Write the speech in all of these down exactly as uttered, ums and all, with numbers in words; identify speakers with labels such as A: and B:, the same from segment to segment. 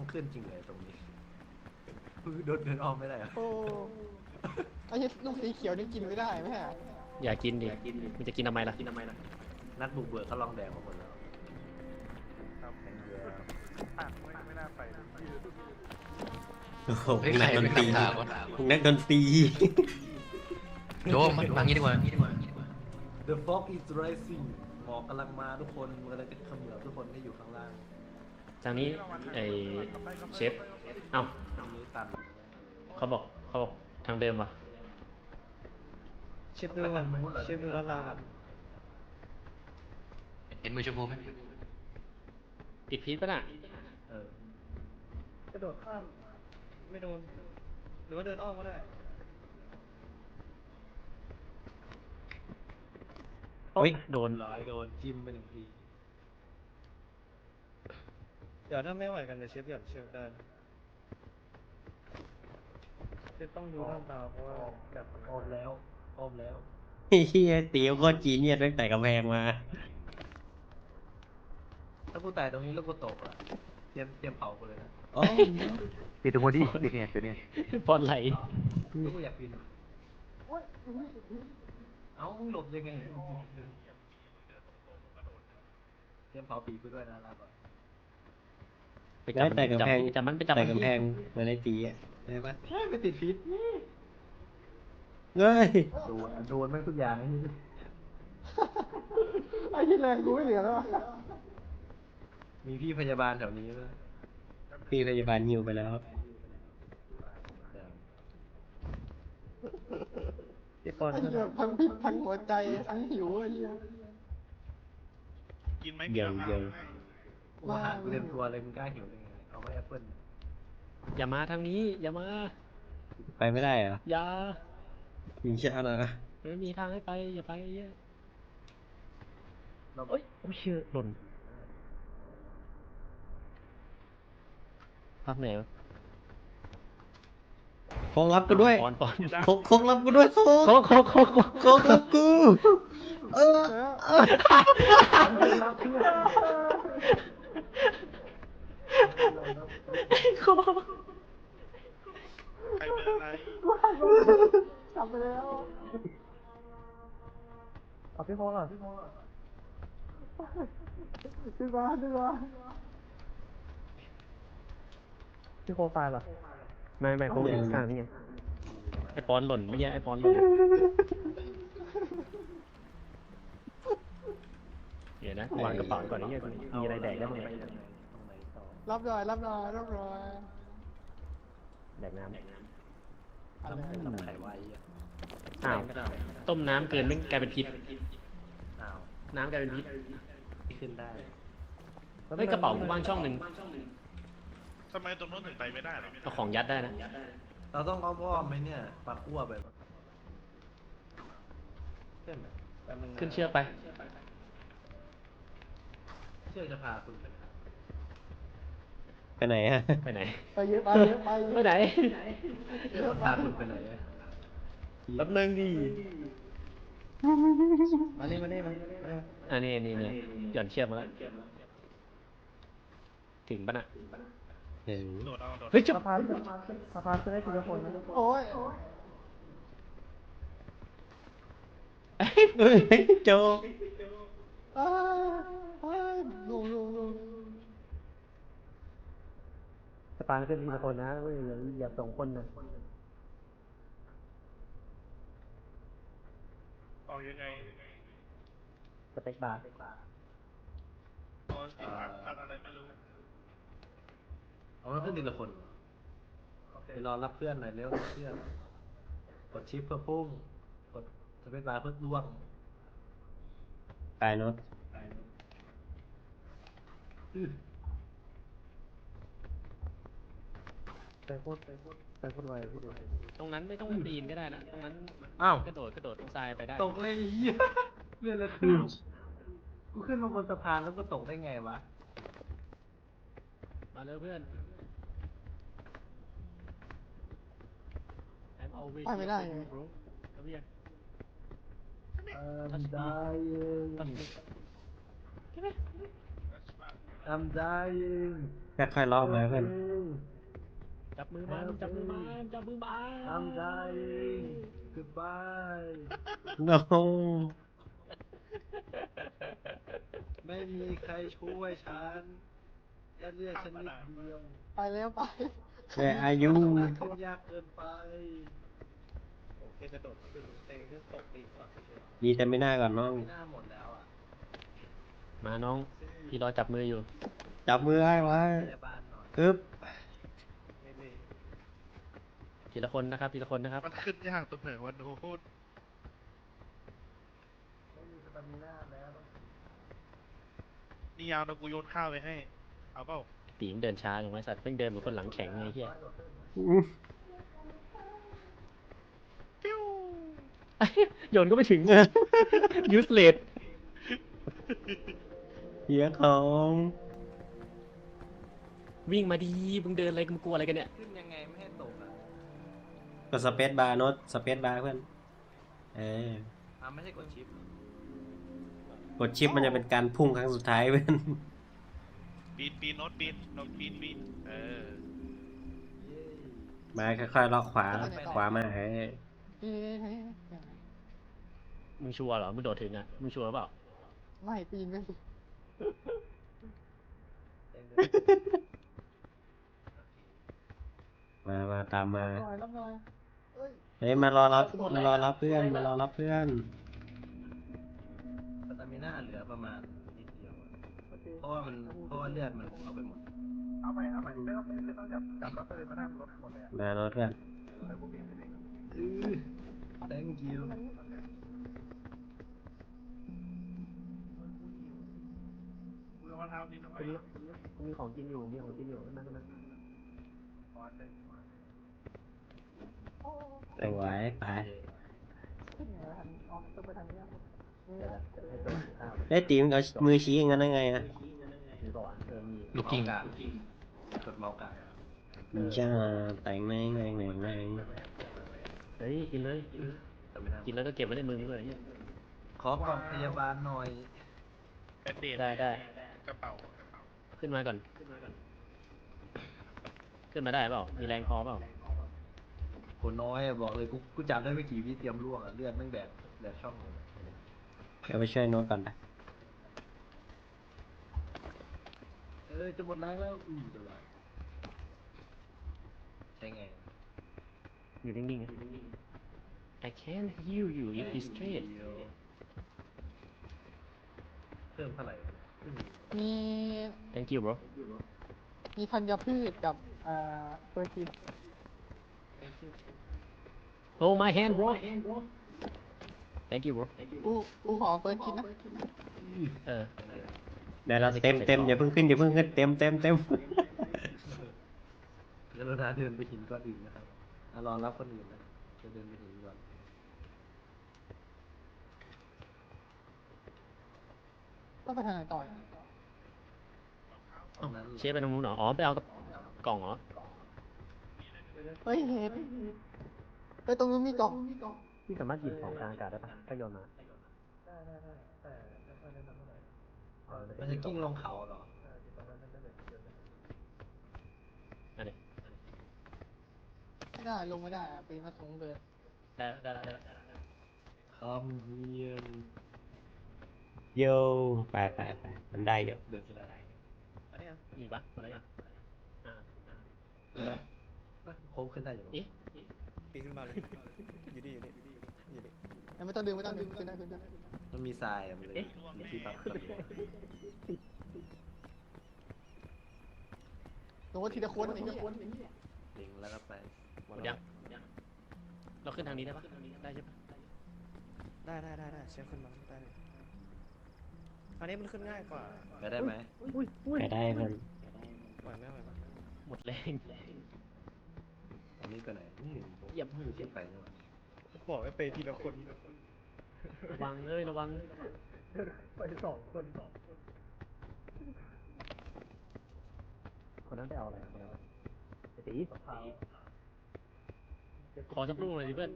A: ต้องขึ้นจริงเลยตรงนี้คือโดนเดินออกไม่ได้อะ
B: โอ้ไอ้ลูกสีเขียวนี่กินไม่ได้ไหมฮะ
C: อย่ากินดิมันจะกินทำไมล่ะ
A: นักบุกเบิกเขาลองแดกมาหมดแล้ว
D: โอ้โหนักดนตรีนักดนตรี
E: โจมันวางงี้ดีกว่า
A: The fog is rising หมอกกำลังมาทุกคนมันกำลังจะเขมือบทุกคนที่อยู่ข้างล่าง
C: ทางนี้ไอเชฟเอ้า
A: ตรงนี้ตัน
C: เขาบอกเขาบอกทางเดิมวะ
B: เชฟดูเชฟดูแล้วเรา
E: เห็นมือชมพูไหม
C: ติดพิษปะน่ะ
A: เออก
B: ระโดดข้ามไม่โดนหรือว่าเดินอ้อมก็ได้
C: โอ้ยโดน
A: ร้อยโดนจิ้มไปหนึ่งที
B: เดี๋ยวถ้าไม่ไหวกันเดี๋ยวเชฟหย่อนเชฟได้เชฟต้องดูท่าตาเพราะว่าแบบอ้อมแล้วอ้อมแล้ว
D: เฮียเตี๋ยวก็จีเนียสตั้งแต่กำแพงมา
A: ถ้ากูตายตรงนี้แล้วกูตกอ่ะเตรียมเตรียมเผากูเลยนะ
D: อ๋อ
F: ปิดตรงนี้ปิดเนี่ยปิดเนี่ย
C: บอลไหล
A: แล้วกูอยากปีนเอ้ามึงหลบยังไงเตรียมเผาปีกูด้วยนะลาก่อน
C: ไปจับ
D: แต่กำแพง
C: จับมันไปจับ
D: แต่
C: มัน
D: กำแพงเหมือนในตีอ่ะได้ปะ
A: ใช่ไม่ติดพิษ
D: เฮ้ย
A: โดนโดนแม่งทุกอย่างไอ้นี่
B: ไอ้ที่แรงกูไม่เหลือแล้ว
A: มีพี่พยาบาลแถวนี้ด้วย
D: พี่พยาบาลฮิวไปแล้ว
B: ไอ้ปอนไอ้เหี้ยทั้งพิษทั้งหัวใจทั้งหิวไอ้เหี้ย
F: กินไหม
D: เดี๋ยวเดี๋ยว
A: กูอาหารกูเต็มตัวเลยมึงกล้าหิวได้ไงเอาไว้แอปเปิ้ล
C: อย่ามาทางนี้อย่ามา
D: ไปไม่ได้เหรอ
C: อย่า
D: ยิงเช้านะ
C: ไม่มีทางให้ไปอย่าไปเยอะ
A: เรา
C: เอ้ยโอ้ยเชื่อหล่นภาคไหนวะ
D: โคงรับกูด้วย
C: ปอนปอน
D: โคงโคงรับกูด้วยโคง
C: โค้งโค้งโค้งโค้ง
D: โคงรับกูเออเออ
C: โค้ง
F: ใครเป็นอะไร
B: กลับไปแล้วเอาพี่โค้งอ่ะพี่โค้งอ่ะพี่มาพี่มาพี่โค้งตายเหรอ
C: ไม่ไม่โค้งอยู่ข้างนี่ไงไอปอนหล่นไม่ใช่ไอปอนหล่นเดี๋ยวนะวางกระเป๋าก่อนไอ้เนี่ยมีอะไรแดกได้บ้างไหม
B: รับหน่อยรับหน่อยรับหน่อย
C: แดกน้
B: อะไร
A: ทำไข่ไว้อ่ะ
C: ำอ้าวต้มน้ำเกินไม่กลายเป็นพิษ
A: อ้าว
C: น้ำกลายเป็นพิษ
A: ขึ้นได้
C: เฮ้ยกระเป๋ากูว่างช่องหนึ่ง
F: ทำไมตรงโน้นถึงไปไม่ได้หรอ
C: เอาของยัดได้นะ
A: เราต้องอ้อมอ้อมไหมเนี่ยปักอ้วไปแบบเช่นแบบแป๊บนึงะ
C: ขึ้นเชือกไป
A: เชือกจะพาคุณไปไหน
D: ไปไหนฮะ
C: ไปไหน
B: ไปเยอะไปเยอะไป
C: ไปไหน
A: เชือกพาคุณไปไหนอะ
C: แป๊บนึงดิ
B: มานี่มานี่มา
C: อันนี้นี่นี่หย่อนเชือกมาแล้วถึงปะน่ะ
D: เห็น
F: โดดเอาโดด
C: เฮ้ยจุ๊บ
B: สะพานสะพานจะได้ทีละคนนะโอ้ย
D: เฮ้ยโจ
B: อ้าอ้าลูลูลู
C: สตาร์ขึ้นทีละคนนะเว้ยอย่าอย่าสองคนนะ
F: ออกยังไง
C: สเต็กบาร์
F: ตอนที่ผ่านทำอะไรไม่รู้
A: เอามาขึ้นทีละคนไปรอรับเพื่อนหน่อยเร็วรับเพื่อนกดชิปเพื่อพุ่งกดสเปซบาร์เพื่อล่วง
D: ตายเนาะ
A: อื้อ
B: แต่โคตรแต่โคตรแต่โคตรไวพี่ดู
C: ตรงนั้นไม่ต้องปีนก็ได้นะตรงนั้น
A: อ้าว
C: กระโดดกระโดดตรงทรายไปได้
A: ตกเลยเหี้ยเรื่องอะไรขึ้นกูขึ้นมาบนสะพานแล้วก็ตกได้ไงวะ
C: มาเร็วเพื่อน I'm always
B: ไปไม่ได้ไง
C: bro เอาเรียก
A: I'm dying
C: ใช่ไหม
A: I'm dying
D: ค่อยๆรอบเลยเพื่อน
A: Dying
C: จับมือมันจับมือมันจับมือมัน
A: ทำใจ goodbye
D: โน้
A: ไม่มีใครช่วยฉันและเลือดฉันนิดเดียว
B: ไปแล้วไป
D: แต่อายุ
A: ขึ้นยากเกินไปโอเคกระโดดขึ้นเตะขึ้นตกปีกก่อนเฉย
D: ดีแต่ไม่น่าก่อนน้อง
A: ๆไม่น่าหมดแล้วอ่ะ
C: มาน้องพี่รอจับมืออยู่
D: จับมือไอ้ไว้
A: พยาบาลหน่อย
D: อึ๊บ
A: ไม่เลย
C: ทีละคนนะครับทีละคนนะครับ
F: มันขึ้นยากตรงไหนวันโน้ต
A: ไม่มีสตามิน่าแล้ว
F: นี่ยาวนะกูโยนข้าวไปให้ เอาเปล่า
C: ตีมนเดินช้าอย่างไรสัตว์เพิ่งเดินเหมือนคนหลังแข็งไงเฮีย
D: อื้อ
F: ปิ้ว
C: โยนก็ไม่ถึง useless
D: เหี้ยของ
C: วิ่งมาดีมึงเดินอะไรมึงกลัวอะไรกันเนี่ย
A: ขึ้นยังไงไม่ให้ตกอ่ะ
D: กดสเปซบาร์โน้ตสเปซบาร์เพื่อน เออ
A: อ่ะไม่ใช่กดชิป
D: กดชิปมันจะเป็นการพุ่งครั้งสุดท้ายเพื่อน
F: ปีนปีนโน้ตปีนโน้ตปีนปีนเออ
A: เย้
D: มาค่อยๆเลาะขวา ขวามาเอ้ย
B: เฮ้ย
C: มึงชัวร์เหรอมึงโดดถึงอ่ะมึงชัวร์เปล่า
B: ไม่ปีนไม่สิ
A: เต็มเลย
D: มามาตามมา
B: หน่อยรับหน่อยเอ้ย
D: เฮ้ยมารอรับมารอรับเพื่อนมารอรับเพื่อน
A: สตามิน่าเหลือประมาณนิดเดียวอะเพราะว่ามันเพราะว่าเลือดมันเอาไปหมด เอาไปเอาไปไม่ต้องไม่ต้องจับจับแล้วก็เลยมานั่งรถหมดเลย
D: มาโน้ตเพื่อน
A: อือ thank you
F: มือมาเท้านิดหน่อย
C: มีของกินอยู่มีของกินอยู่นั่งนั่ง
D: แต่ไหวไป
B: ขึ้นไงวะทันอ๋อต้องไปทางนี้อะ
D: ได้ตีมเอามือชี้อย่างนั้นได้ไงอะ
C: มีบอกว่าเออมี
E: ลูกกิ้ง
A: เมาส์กลางกดเมาส์กลาง
D: จ้าแต่งแรงแรงแรงแรง
C: เฮ้ยกินเลย
A: สตามิน่า
C: กินแล้วก็เก็บไว้ในมือด้วยเหี้ย
A: ขอกล่องพยาบาลหน่อย
F: เป็นเดท
C: ได้ได้
F: กระเป๋ากระเป๋า
C: ขึ้นมาก่อน ขึ้นมาได้เปล่ามีแรงพอเปล่า
A: คนน้อยอะบอกเลยกูกูจับได้ไม่กี่วิเตรียมล่วงอะเลือดแม่งแดดแดดช่องเลย
D: เดี๋ยวไปช่วยโน้ตก่อนนะ
A: เออจะหมดแรงแล้วอือเดี๋ยวไรใช่ไง
C: อยู่นิ่งๆนะ I can't hear you if you straight
A: เพิ่มเท่าไหร่อืม
B: มี
C: thank you bro
B: มีธัญพืชกับเอ่อเปอร์กิน
C: oh my hand bro thank you bro
B: กูกูขอเปอร์กินนะ
C: เออ
D: เดี๋ยวเราเต็มเต็มอย่าเพิ่งขึ้นอย่าเพิ่งขึ้นเต็มเต็มเต็ม
A: กรุณาเดินไปหินก้อนอื่นนะครับอ่ะรอรับคนอื่นนะจะเดินไปหินก่อน
B: ต้องไปทางไหนต่ออีก
A: ตรงนั้น
C: เชฟไปตรงนู้นเหรออ๋อไปเอากล่องเหรอ
B: เฮ้ยเห็นเฮ้ยตรงนู้นมีกล่อง
C: พี่สามารถหยิบของกลางอากาศได้ปะถ้าโยนมา
A: มันจะกิ้งลงเขาเหรอ
C: อันนี้
B: ไม่ได้ลงไม่ได้อะปีนมาสูงเลย
C: ได้ได้ได้ได้
A: คำเฮียน
D: โยไปไปไปมันได้เยอะ
A: เดินไปได้
C: อีกปะอะไรอ่ะอ่า
A: โค้งขึ้นได้อยู่
C: เอ๊ะ
G: ปีนขึ้นมาเลย อยู่ดีอยู่ดีอยู่ดี
B: ไม่ต้องดึงไม่ต้องดึงขึ้นได้ขึ้นได้
A: มันมีทรายอะมันเลยมีที่พัก
B: ลงว่าทีละคนไอ้เหี้ย
A: ลิงแล้วก็ไป
C: หมดยังเราขึ้นทางนี้ได้ปะได้ใช่ปะ
G: ได้ได้ได้ได้เชฟขึ้นมาได้เลยอันนี้มันขึ้นง่ายกว่า
A: ไปได้ไหม
D: ไปได้เพื่อน
G: ไหวไหมไหวไหม
C: หมดแรง
A: อันนี้ไปไหนนี่
C: เหยียบ
A: มือที่ไปนี่หว่า
G: บอกให้ไปทีละคน
C: ระวังเลยระวัง
B: ไปสองคนสอง
C: คนนั้นไปเอาอะไรคนนั้นไอ้ตีขอสักลูกหน่อยดิเพื่อน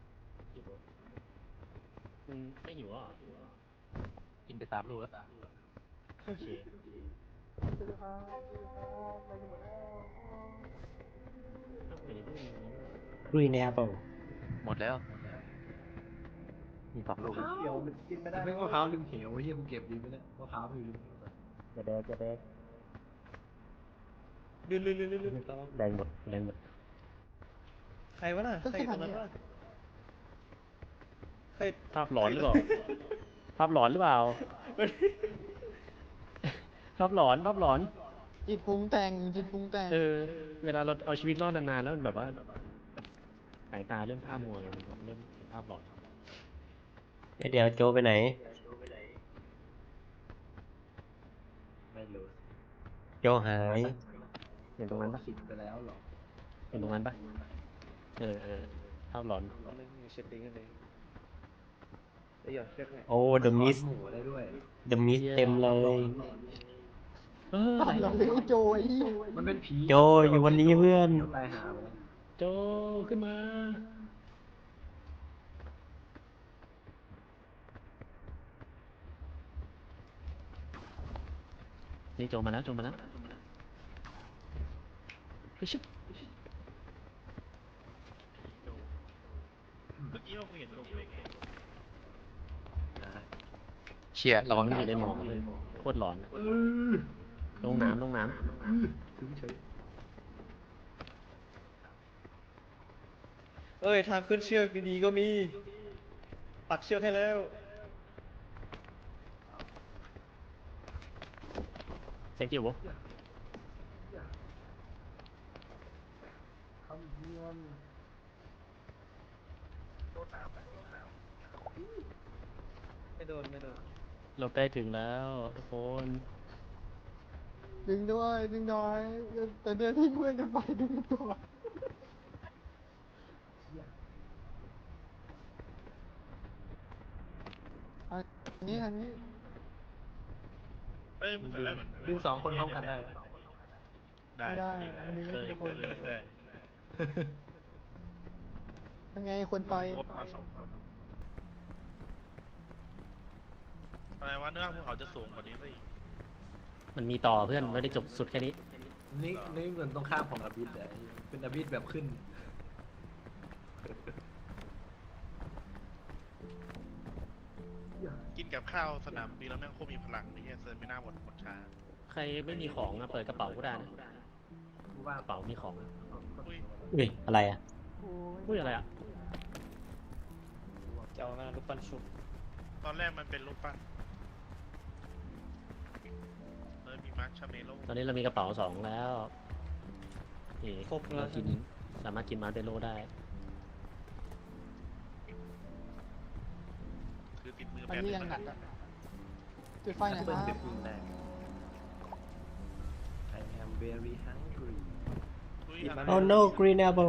C: มึงไม่หิวอ่ะ
E: กินไปสามลูกแล้ว
C: โอเค
D: กรีนแอปเปิล
E: หมดแล้ว
C: มีสองลูก
A: เขียวมันกินไม่ได้ไม่มะพร้าวลืมเขียวเฮียกูเก็บดีไปแล้วมะพร้าวไม่ลืม
C: จะแดงจะแดง
G: ลื่นลื่นลื่นลื่นลื่นระวัง
C: แดงหมดแดงหมด
G: ใครวะน่ะใครอยู่ตรงนั้นวะใคร
C: ภาพหลอนหรือเปล่า ภาพหลอนหรือเปล่า ภาพหลอนภาพหลอน
B: จิตปรุงแต่งจิตปรุงแต่ง
C: เออ เวลาเราเอาชีวิตรอดนานๆแล้วมันแบบว่าสายตาเริ่มภาพมัวเลยมันเริ่มเห็นภาพหลอน
D: เอ้ยเดี๋ยวโจไปไหน
A: ไม่รู้
D: โจหาย
C: เห็นตรงนั้นปะ
A: คิดไปแล้วหรอ
C: เห็นตรงนั้นปะเออเออภาพหลอน
G: เล่นเช็ดดิ้งกันเลยเดี๋ยวหยอดเชือกให้
D: โอ้เดอะมิส
A: หมูได้ด้วย
D: เดอะมิสเต็มเลย
C: เออ
B: เราเลี้ยงโจย
A: มันเป็นผี
D: โจอยู่วันนี้เพื่อน
A: ตายหาไปแล้ว
C: โจขึ้นมา นี่โจมาแล้วโจมาแล้วเฮ้ยชิบ
F: เมื่อกี้ว่ากูเห็นลงเลย
E: เชี่ยระวัง
C: มัน
E: นะ
C: อยู่ในหมอกเลยโคตรหลอนอะ
A: เออ
C: ลงน้ำลงน้
A: ถึงเฉย
G: เอ้ยทางขึ้นเชือกดีๆก็มี ปักเชือกให้แล้ว
C: ำเซ็กจิ๋ว
A: คำเยี่ยม
G: ไม่โดนไม่โดน
C: เราใกล้ถึงแล้วทุกคน
B: ดึงด้วยดึงหน่อยแต่เดินทิ้งเพื่อนกันไปดึงตัวอันนี้อันนี้
F: เอ้ยมันแต่แรกเหมือน
A: ดึงสองคนพร้อมกันได้
F: ได้
B: ไม่ได้อันนี้
F: เคย
B: ทุก
F: เค
B: คน
F: ยเคย
B: ยังไงคนไป
F: ครบมาสองคนอะไรวะเนื้อภูเขาจะสูงกว่านี้ซะอีก
C: มันมีต่อเพื่อนไม่ได้จบสุดแค่นี้
A: นี่นี่เหมือนตรงข้ามของอบิสเลยเป็นอบิสแบบขึ้น
F: กินกับข้าวสนามบินแล้วแม่งโคตรมีพลังนี่เซอร์ไม่น่าหมดหมดช้า
C: ใครไม่มีของอะเปิดกระเป๋าก็ได้นะ
A: ว่าก
C: ระเป๋ามีของอะ
F: อุ้ย
D: อุ้ยอะไรอ่ะ
C: อุ้ยอะไรอะ
G: จะเอามาลูกปั้นชุบ
F: ตอนแรกมันเป็นรูปปั้นเลยมีมาร์คชาเมโล
C: ตอนนี้เรามีกระเป๋าสองแล้วนี่
G: ครบแล้
C: เรา
G: ว
C: กินสามารถกินมาร์เบโลได้
F: คือติดมือ
B: อัน
F: แป๊บ
B: นี้
F: นึ
B: ยัง
F: ง
B: หนักอ่ะจุดไฟหน่อยค
A: เปิ้ล
B: รับ
A: เด็กยิงแรง I am very hungry
F: อุ้ย
A: หยิบมา
D: โอ้ no green apple